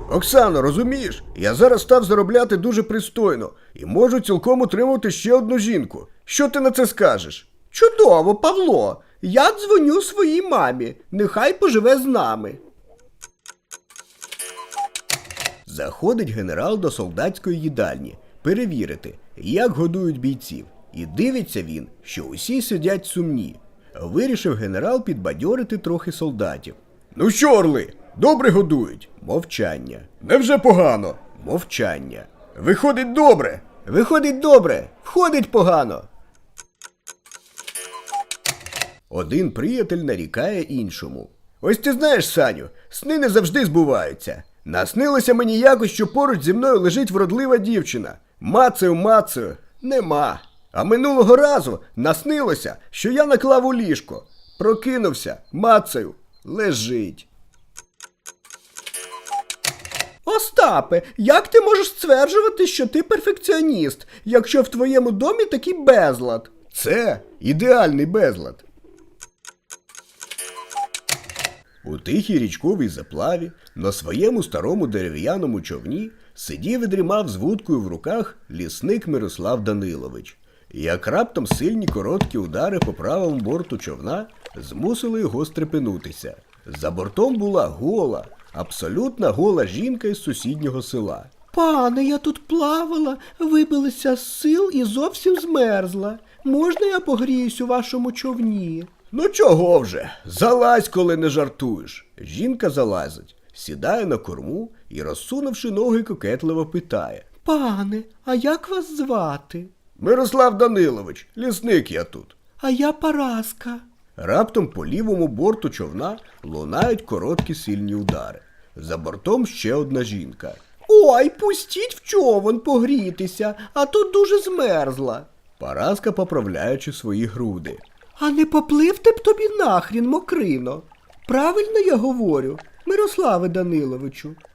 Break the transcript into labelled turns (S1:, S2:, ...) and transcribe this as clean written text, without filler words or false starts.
S1: Оксано, розумієш, я зараз став заробляти дуже пристойно і можу цілком утримувати ще одну жінку. Що ти на це скажеш?
S2: Чудово, Павло. Я дзвоню своїй мамі. Нехай поживе з нами.
S1: Заходить генерал до солдатської їдальні перевірити, як годують бійців. І дивиться він, що усі сидять сумні. Вирішив генерал підбадьорити трохи солдатів. Ну що, орли, добре годують? Мовчання. Невже погано? Мовчання. Виходить добре. Виходить добре. Входить погано. Один приятель нарікає іншому. Ось ти знаєш, Саню, сни не завжди збуваються. Наснилося мені якось, що поруч зі мною лежить вродлива дівчина. Мацаю, нема. А минулого разу наснилося, що я наклав у ліжко. Прокинувся, мацаю, лежить.
S2: Остапе, як ти можеш стверджувати, що ти перфекціоніст, якщо в твоєму домі такий безлад?
S1: Це ідеальний безлад. У тихій річковій заплаві на своєму старому дерев'яному човні сидів і дрімав з вудкою в руках лісник Мирослав Данилович. Як раптом сильні короткі удари по правому борту човна змусили його стрепенутися. За бортом була гола, абсолютно гола жінка із сусіднього села.
S2: Пане, я тут плавала, вибилася з сил і зовсім змерзла. Можна я погріюсь у вашому човні?
S1: Ну чого вже? Залазь, коли не жартуєш. Жінка залазить, сідає на корму і, розсунувши ноги, кокетливо питає.
S2: Пане, а як вас звати?
S1: Мирослав Данилович, лісник я тут.
S2: А я Параска.
S1: Раптом по лівому борту човна лунають короткі сильні удари. За бортом ще одна жінка.
S2: Ой, пустіть в човен погрітися, а тут дуже змерзла.
S1: Параска, поправляючи свої груди.
S2: А не попливти б тобі нахрін, мокрино. Правильно я говорю, Мирославе Даниловичу?